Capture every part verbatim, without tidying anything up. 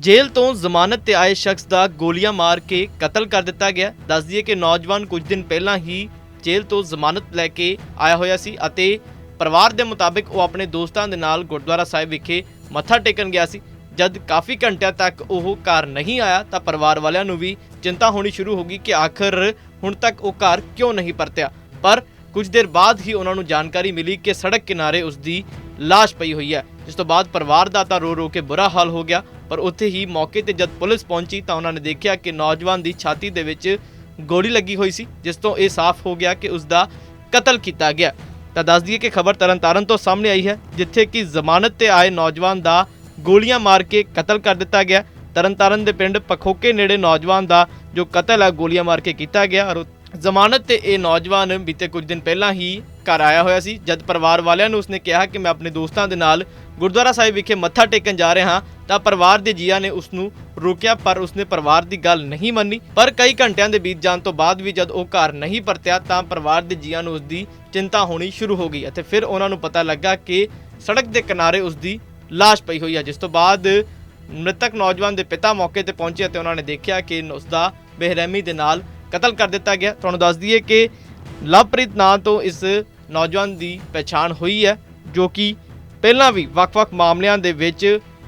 Jail तो जमानत ते आए शख्स का गोलियां मार के कतल कर दिता गया। दस दिए कि नौजवान कुछ दिन पहला ही जेल तो जमानत लैके आया होया सी अते परिवार के मुताबिक वो अपने दोस्तों के नाल गुरुद्वारा साहिब विखे मत्था टेकन गया सी। जद काफ़ी घंटिया तक वो घर नहीं आया तो परिवार वालों को भी चिंता होनी शुरू हो गई कि आखिर हुण तक वो घर क्यों नहीं परत्या। पर कुछ देर बाद ही उन्होंने जानकारी मिली कि सड़क किनारे उसकी लाश पई हुई है, जिस तो बाद परिवार का तो रो रो के बुरा हाल हो गया। पर उत्थे ही मौके ते जद पुलिस पहुंची तो उन्होंने देखा कि नौजवान की छाती दे विच गोली लगी हुई सी, जिस तो यह साफ हो गया कि उसका कतल किया गया। तो दस दिए कि खबर तरन तारण तो सामने आई है, जिथे कि जमानत ते आए नौजवान का गोलियां मार के कतल कर दिता गया। तरन तारण के पिंड पखोके नेड़े नौजवान का जो कतल है गोलियां मार के किया गया। और जमानत ते ये नौजवान बीते कुछ दिन पहला ही घर आया होया सी। जद परिवार वालियां नूं उसने कहा कि मैं अपने दोस्तों के नाल गुरुद्वारा साहिब विखे मत्था टेकन जा रहा हाँ, तो परिवार के जिया ने उसनूं रोकिया, पर उसने परिवार की गल नहीं मनी। पर कई घंटिया के बीत जाने तो बाद भी जब वो घर नहीं परत्या तो परिवार के जिया नूं उसकी चिंता होनी शुरू हो गई। और फिर उन्होंने पता लगा कि सड़क के किनारे उसकी लाश पई हुई है, जिस तो बाद मृतक नौजवान के पिता मौके पर पहुंचे तो उन्होंने देखा कि उसका बेरहमी के नाल कतल कर दिता गया। तुहानूं दस दईए कि लवप्रीत नां तो इस नौजवान की पहचान हुई है, जो कि पहला भी वक्-वक् मामलों के विच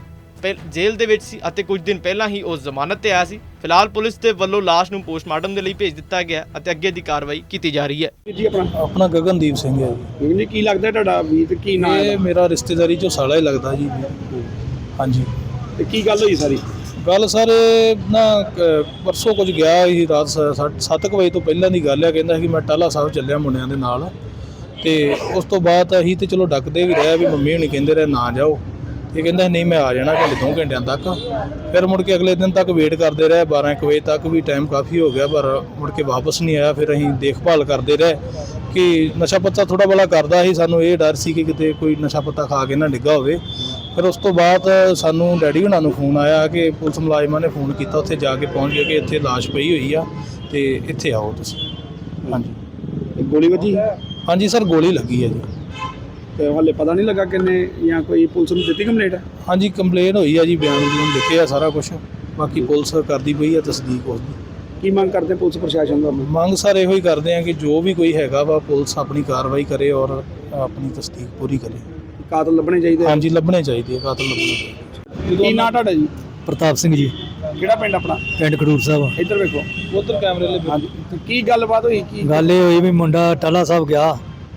जेल दे विच सी अते कुछ दिन पहला ही उस जमानत ते आया सी। फिलहाल पुलिस के वल्लों लाश नूं पोस्टमार्टम के लिए भेज दिता गया अते अगे दी कार्रवाई की जा रही है। जी अपना अपना गगनदीप सिंह है जी। जी की लगता है ਤੁਹਾਡਾ ਵੀ ਤੇ ਕੀ ਨਾਮ ਇਹ ਹੈ? ਮੇਰਾ ਰਿਸ਼ਤੇਦਾਰੀ ਚੋਂ ਸਾਲਾ ਹੀ ਲੱਗਦਾ ਜੀ। ਹਾਂਜੀ ਤੇ ਕੀ ਗੱਲ ਹੋਈ ਸਾਰੀ? ਗੱਲ ਸਰ ਨਾ ਕ- ਪਰਸੋਂ ਕੁਝ ਗਿਆ ਸੀ ਰਾਤ ਸੱਤ ਕੁ ਵਜੇ ਤੋਂ ਪਹਿਲਾਂ ਦੀ ਗੱਲ ਹੈ। ਕਹਿੰਦਾ ਸੀ ਕਿ ਮੈਂ ਟਾਲਾ ਸਾਹਿਬ ਚੱਲਿਆ ਮੁੰਡਿਆਂ ਦੇ ਨਾਲ, ਤੇ ਉਸ ਤੋਂ ਬਾਅਦ ਅਸੀਂ ਤੇ ਚਲੋ ਡੱਕਦੇ ਵੀ ਰਿਹਾ ਵੀ ਮੰਮੀ ਹੁਣੀ ਕਹਿੰਦੇ ਰਹੇ ਨਾ ਜਾਓ, ਤੇ ਕਹਿੰਦਾ ਨਹੀਂ ਮੈਂ ਆ ਜਾਣਾ ਘੰਟੇ ਦੋ ਘੰਟਿਆਂ ਤੱਕ। ਫਿਰ ਮੁੜ ਕੇ ਅਗਲੇ ਦਿਨ ਤੱਕ ਵੇਟ ਕਰਦੇ ਰਹੇ, ਬਾਰਾਂ ਇੱਕ ਵਜੇ ਤੱਕ ਵੀ ਟਾਈਮ ਕਾਫੀ ਹੋ ਗਿਆ, ਪਰ ਮੁੜ ਕੇ ਵਾਪਸ ਨਹੀਂ ਆਇਆ। ਫਿਰ ਅਸੀਂ ਦੇਖਭਾਲ ਕਰਦੇ ਰਹੇ ਕਿ ਨਸ਼ਾ ਪੱਤਾ ਥੋੜ੍ਹਾ ਬੜਾ ਕਰਦਾ ਸੀ, ਸਾਨੂੰ ਇਹ ਡਰ ਸੀ ਕਿ ਕਿਤੇ ਕੋਈ ਨਸ਼ਾ ਪੱਤਾ ਖਾ ਕੇ ਨਾ ਡਿੱਗਾ ਹੋਵੇ। ਫਿਰ ਉਸ ਤੋਂ ਬਾਅਦ ਸਾਨੂੰ ਡੈਡੀ ਹੁਣਾਂ ਨੂੰ ਫੋਨ ਆਇਆ ਕਿ ਪੁਲਿਸ ਮੁਲਾਜ਼ਮਾਂ ਨੇ ਫੋਨ ਕੀਤਾ, ਉੱਥੇ ਜਾ ਕੇ ਪਹੁੰਚ ਗਏ ਕਿ ਇੱਥੇ ਲਾਸ਼ ਪਈ ਹੋਈ ਆ ਤੇ ਇੱਥੇ ਆਓ ਤੁਸੀਂ। ਹਾਂਜੀ ਤੇ ਗੋਲੀ ਵੱਜੀ ਹਾਂਜੀ ਸਰ ਗੋਲੀ ਲੱਗੀ ਹੈ ਜੀ। ਤੇ ਹਾਲੇ ਪਤਾ ਨਹੀਂ ਲੱਗਾ ਕਿੰਨੇ ਜਾਂ ਕੋਈ ਪੁਲਿਸ ਨੂੰ ਦਿੱਤੀ ਕੰਪਲੇਂਟ? ਹਾਂਜੀ ਕੰਪਲੇਨ ਹੋਈ ਆ ਜੀ, ਬਿਆਨ ਬੂਨ ਲਿਖੇ ਆ ਸਾਰਾ ਕੁਝ, ਬਾਕੀ ਪੁਲਿਸ ਕਰਦੀ ਪਈ ਆ ਤਸਦੀਕ ਉਸਦੀ। ਕੀ ਮੰਗ ਕਰਦੇ ਪੁਲਿਸ ਪ੍ਰਸ਼ਾਸਨ ਦਾ? ਮੰਗ ਸਰ ਇਹੋ ਹੀ ਕਰਦੇ ਆ ਕਿ ਜੋ ਵੀ ਕੋਈ ਹੈਗਾ ਵਾ ਪੁਲਿਸ ਆਪਣੀ ਕਾਰਵਾਈ ਕਰੇ ਔਰ ਆਪਣੀ ਤਸਦੀਕ ਪੂਰੀ ਕਰੇ। ਕਾਤਲ ਲੱਭਣੇ ਚਾਹੀਦੇ? ਹਾਂਜੀ ਲੱਭਣੇ ਚਾਹੀਦੇ ਆ, ਕਾਤਲ ਲੱਭਣੇ ਚਾਹੀਦੇ। ਕੀ ਨਾਂ ਤੁਹਾਡਾ ਜੀ? ਪ੍ਰਤਾਪ ਸਿੰਘ ਜੀ, ਕਿਹੜਾ ਪਿੰਡ ਆਪਣਾ? ਪਿੰਡ ਖਡੂਰ ਸਾਹਿਬ। ਇੱਧਰ ਵੇਖੋ, ਉਧਰ ਕੈਮਰੇ ਲੈ। ਹਾਂਜੀ ਤੇ ਕੀ ਗੱਲਬਾਤ ਹੋਈ? ਕੀ ਗੱਲ ਇਹ ਹੋਈ ਵੀ ਮੁੰਡਾ ਟਾਲਾ ਸਾਹਿਬ ਗਿਆ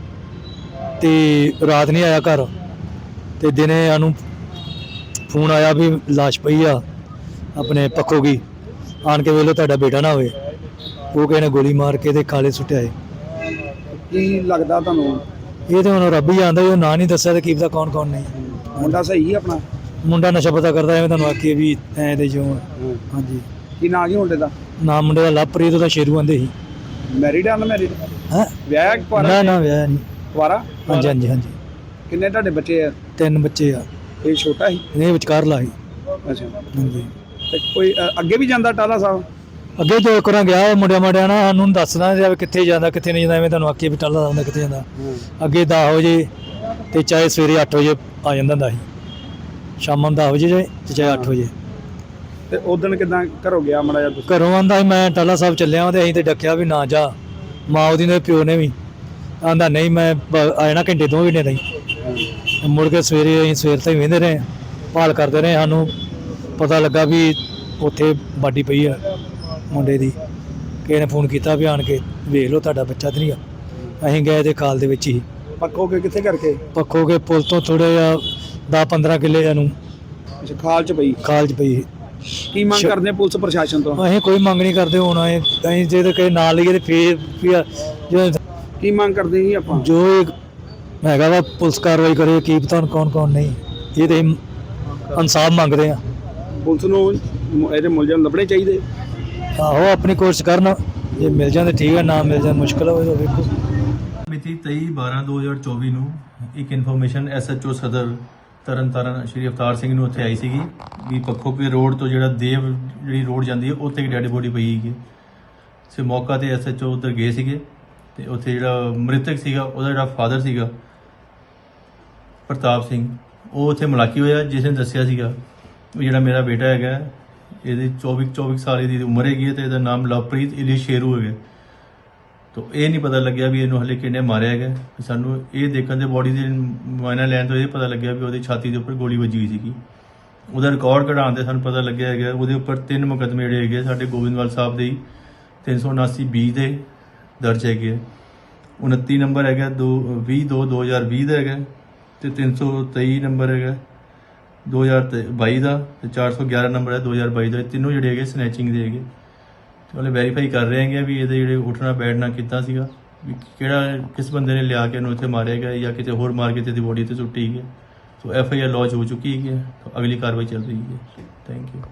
ਤੇ ਰਾਤ ਨਹੀਂ ਆਇਆ ਘਰ, ਤੇ ਦਿਨੇ ਸਾਨੂੰ ਫੋਨ ਆਇਆ ਵੀ ਲਾਸ਼ ਪਈ ਆ ਆਪਣੇ ਪੱਖੋ ਗਈ, ਆਣ ਕੇ ਵੇਖ ਲਓ ਤੁਹਾਡਾ ਬੇਟਾ ਨਾ ਹੋਵੇ। ਉਹ ਕਿਸੇ ਨੇ ਗੋਲੀ ਮਾਰ ਕੇ ਤੇ ਖਾਲੇ ਸੁੱਟਿਆ ਏ। ਕੀ ਲੱਗਦਾ ਤੁਹਾਨੂੰ? ਇਹ ਤਾਂ ਹੁਣ ਰੱਬ ਹੀ ਜਾਣਦਾ, ਉਹ ਨਾਂ ਨਹੀਂ ਦੱਸਿਆ ਤੇ ਕੀ ਪਤਾ ਕੌਣ ਕੌਣ ਨਹੀਂ। ਮੁੰਡਾ ਸਹੀ ਹੈ ਆਪਣਾ? ਮੁੰਡਾ ਨਸ਼ਾ ਪਤਾ ਕਰਦਾ, ਐਵੇਂ ਤੁਹਾਨੂੰ ਆਖੀਏ ਵੀ ਐ ਦੇ ਜੋ। ਹਾਂਜੀ ਕੀ ਨਾਂ ਕੀ ਮੁੰਡੇ ਦਾ? ਨਾਮ ਮੁੰਡੇ ਦਾ ਲਵਪ੍ਰੀਤ, ਉਹਦਾ ਸ਼ੇਰੂ ਆਂਦੇ ਸੀ। ਮੈਰਿਡ ਆ? ਅਨਮੈਰਿਡ? ਹੈ ਵਿਆਹ ਕੁਆਰਾ? ਨਾ ਨਾ ਵਿਆਹ ਨਹੀਂ। ਕੁਆਰਾ? ਹਾਂਜੀ ਹਾਂਜੀ ਹਾਂਜੀ ਕਿੰਨੇ ਤੁਹਾਡੇ ਬੱਚੇ ਆ? ਤਿੰਨ ਬੱਚੇ ਆ। ਇਹ ਛੋਟਾ ਸੀ? ਇਹ ਵਿਚਕਾਰਲਾ ਸੀ। ਅੱਛਾ। ਹਾਂਜੀ ਤੇ ਕੋਈ ਅ, ਅੱਗੇ ਵੀ ਜਾਂਦਾ ਟਾਲਾ ਸਾਹਿਬ? ਅੱਗੇ ਦੋ ਕਰਾਂ ਗਿਆ ਮੁੰਡਿਆਂ ਮਾੜਿਆਂ ਨਾਲ ਸਾਨੂੰ ਦੱਸਦਾ ਜਾਵੇ ਕਿੱਥੇ ਜਾਂਦਾ ਕਿੱਥੇ ਨਹੀਂ ਜਾਂਦਾ, ਐਵੇਂ ਤੁਹਾਨੂੰ ਆਖੀਏ ਵੀ ਟੱਲਾ ਜਾਂਦਾ ਕਿੱਥੇ ਜਾਂਦਾ। ਅੱਗੇ ਦਸ ਵਜੇ ਤੇ ਚਾਹੇ ਸਵੇਰੇ ਅੱਠ ਵਜੇ ਆ ਜਾਂਦਾ ਹੁੰਦਾ ਸੀ, ਸ਼ਾਮਾਂ ਨੂੰ ਦਸ ਵਜੇ ਜਾਏ ਤੇ ਚਾਹੇ ਅੱਠ ਵਜੇ। ਤੇ ਉਦੋਂ ਕਿਦਾਂ ਘਰੋਂ ਗਿਆ ਮਾੜਾ ਜਿਹਾ ਤੁਸੀਂ? ਘਰੋਂ ਆਂਦਾ ਸੀ ਮੈਂ ਟਾਲਾ ਸਾਹਿਬ ਚੱਲਿਆ ਵਾਂ, ਤੇ ਅਸੀਂ ਤੇ ਡੱਕਿਆ ਵੀ ਨਾ ਜਾ। ਮਾਂ ਉਹਦੀ ਨੇ ਪਿਓ ਨੇ ਵੀ ਆਂਦਾ ਨਹੀਂ ਮੈਂ ਬ- ਆ ਜਾਣਾ ਘੰਟੇ ਦੋ ਘੰਟੇ ਤਾਈਂ। ਮੁੜ ਕੇ ਸਵੇਰੇ ਅਸੀਂ ਸਵੇਰ ਤਾਈਂ ਵਹਿੰਦੇ ਰਹੇ, ਭਾਲ ਕਰਦੇ ਰਹੇ। ਸਾਨੂੰ ਪਤਾ ਲੱਗਾ ਵੀ ਉੱਥੇ ਬਾਡੀ ਪਈ ਆ ਮੁੰਡੇ ਦੀ। ਕਿਸੇ ਨੇ ਫੋਨ ਕੀਤਾ ਵੀ ਆਣ ਕੇ ਵੇਖ ਲਓ ਤੁਹਾਡਾ ਬੱਚਾ ਤਾਂ ਨਹੀਂ ਆ। ਅਸੀਂ ਗਏ ਤੇ ਖਾਲ ਦੇ ਵਿੱਚ ਹੀ। ਪੱਕੋ ਕੇ ਕਿੱਥੇ ਕਰਕੇ? ਪੱਖੋ ਕੇ ਪੁਲ ਤੋਂ ਥੋੜ੍ਹੇ ਜਿਹਾ ਦਸ ਪੰਦਰਾਂ ਕਿੱਲੇ ਨੂੰ ਅੱਛਾ, ਖਾਲ ਚ ਪਈ? ਖਾਲ 'ਚ ਪਈ। ਕੀ ਮੰਗ ਕਰਦੇ ਆ ਪੁਲਿਸ ਪ੍ਰਸ਼ਾਸਨ ਤੋਂ? ਅਸੀਂ ਕੋਈ ਮੰਗ ਨਹੀਂ ਕਰਦੇ। ਹੁਣ ਅਸੀਂ ਅਸੀਂ ਜੇ ਤਾਂ ਕਿਸੇ ਨਾਲ ਲਈਏ ਤੇ ਫੇਰ ਫਿਰ ਜੋ ਕੀ ਮੰਗ ਕਰਦੇ ਜੀ ਆਪਾਂ? ਜੋ ਇਹ ਹੈਗਾ ਵਾ ਪੁਲਿਸ ਕਾਰਵਾਈ ਕਰੇ, ਕੀ ਪਤਾ ਹੁਣ ਕੌਣ ਕੌਣ ਨਹੀਂ। ਇਹ ਤੇ ਇਨਸਾਫ ਮੰਗਦੇ ਆ। ਪੁਲਿਸ ਨੂੰ ਮ- ਇਹਦੇ ਮੁਲਜ਼ਮ ਲੱਭਣੇ ਚਾਹੀਦੇ। ਆਹੋ ਆਪਣੀ ਕੋਸ਼ਿਸ਼ ਕਰਨ, ਜੇ ਮਿਲ ਜਾਂਦੇ ਠੀਕ ਹੈ, ਨਾ ਮਿਲ ਜਾਣ ਮੁਸ਼ਕਲ ਹੋਵੇ ਤਾਂ ਵੇਖੋ। ਮਿਤੀ ਤੇਈ ਬਾਰਾਂ ਦੋ ਹਜ਼ਾਰ ਚੌਵੀ ਨੂੰ ਇੱਕ ਇਨਫੋਰਮੇਸ਼ਨ ਐਸ ਐਚ ਓ ਸਦਰ ਤਰਨ ਤਾਰਨ ਸ਼੍ਰੀ ਅਵਤਾਰ ਸਿੰਘ ਨੂੰ ਉੱਥੇ ਆਈ ਸੀਗੀ ਵੀ ਪੱਖੋਕੇ ਰੋਡ ਤੋਂ ਜਿਹੜਾ ਦੇਵ ਜਿਹੜੀ ਰੋਡ ਜਾਂਦੀ ਹੈ ਉੱਥੇ ਇੱਕ ਡੈਡ ਬੋਡੀ ਪਈ ਹੈਗੀ। ਸੇ ਮੌਕਾ ਤੇ ਐਸ ਐਚ ਓ ਉੱਧਰ ਗਏ ਸੀਗੇ, ਤੇ ਉੱਥੇ ਜਿਹੜਾ ਮ੍ਰਿਤਕ ਸੀਗਾ ਉਹਦਾ ਜਿਹੜਾ ਫਾਦਰ ਸੀਗਾ ਪ੍ਰਤਾਪ ਸਿੰਘ, ਉਹ ਉੱਥੇ ਮੁਲਾਕੀ ਹੋਇਆ, ਜਿਸ ਨੇ ਦੱਸਿਆ ਸੀਗਾ ਉਹ ਜਿਹੜਾ ਮੇਰਾ ਬੇਟਾ ਹੈਗਾ ਇਹਦੀ ਚੌਵੀ ਚੌਵੀ ਸਾਲ ਦੀ ਉਮਰ ਹੈਗੀ ਹੈ ਤੇ ਇਹਦਾ ਨਾਮ ਲਵਪ੍ਰੀਤ ਇਲੀ ਸ਼ੇਰੂ ਹੈਗਾ। ਤੋ ਇਹ ਨਹੀਂ ਪਤਾ ਲੱਗਿਆ ਵੀ ਇਹਨੂੰ ਹਲੇ ਕਿਹਨੇ ਮਾਰਿਆ ਹੈਗਾ। ਸਾਨੂੰ ਇਹ ਦੇਖਣ ਦੇ ਬੋਡੀ ਦੇ ਮੁਆਇਨਾ ਲੈਣ ਤੋਂ ਇਹ ਪਤਾ ਲੱਗਿਆ ਵੀ ਉਹਦੀ ਛਾਤੀ ਦੇ ਉੱਪਰ ਗੋਲੀ ਵੱਜੀ ਹੋਈ ਸੀਗੀ। ਉਹਦਾ ਰਿਕਾਰਡ ਕਢਾਉਣ ਦੇ ਸਾਨੂੰ ਪਤਾ ਲੱਗਿਆ ਹੈਗਾ ਉਹਦੇ ਉੱਪਰ ਤਿੰਨ ਮੁਕੱਦਮੇ ਜਿਹੜੇ ਹੈਗੇ ਸਾਡੇ ਗੋਬਿੰਦਵਾਲ ਸਾਹਿਬ ਦੇ ਹੀ ਤਿੰਨ ਸੌ ਉਨਾਸੀ ਬੀ ਦੇ ਦਰਜ ਹੈਗੇ। ਉਨੱਤੀ ਨੰਬਰ ਹੈਗਾ ਦੋ ਵੀਹ ਦੋ ਦੋ ਹਜ਼ਾਰ ਵੀਹ ਦਾ ਹੈਗਾ ਤੇ ਤਿੰਨ ਸੌ ਤੇਈ ਨੰਬਰ ਹੈਗਾ ਦੋ ਹਜ਼ਾਰ ਬਾਈ ਦਾ ਤੇ ਚਾਰ ਸੌ ਗਿਆਰਾਂ ਨੰਬਰ ਹੈ ਦੋ ਹਜ਼ਾਰ ਬਾਈ ਦਾ। ਇਹ ਤਿੰਨੋਂ ਜਿਹੜੇ ਹੈਗੇ ਸਨੈਚਿੰਗ ਦੇ ਹੈਗੇ। ਤੇ ਉਹਨੇ ਵੈਰੀਫਾਈ ਕਰ ਰਹੇ ਹੈਗੇ ਵੀ ਇਹਦੇ ਜਿਹੜੇ ਉੱਠਣਾ ਬੈਠਣਾ ਕੀਤਾ ਸੀਗਾ, ਵੀ ਕਿਹੜਾ ਕਿਸ ਬੰਦੇ ਨੇ ਲਿਆ ਕੇ ਇਹਨੂੰ ਇੱਥੇ ਮਾਰਿਆ ਗਿਆ ਜਾਂ ਕਿਤੇ ਹੋਰ ਮਾਰ ਕੇ ਤੇ ਦੀ ਬੋਡੀ ਤੇ ਸੁੱਟੀ ਗਈ। So F I R launch ਹੋ ਚੁੱਕੀ ਹੈ। ਅਗਲੀ ਕਾਰਵਾਈ ਚੱਲ ਰਹੀ ਹੈ। Thank you.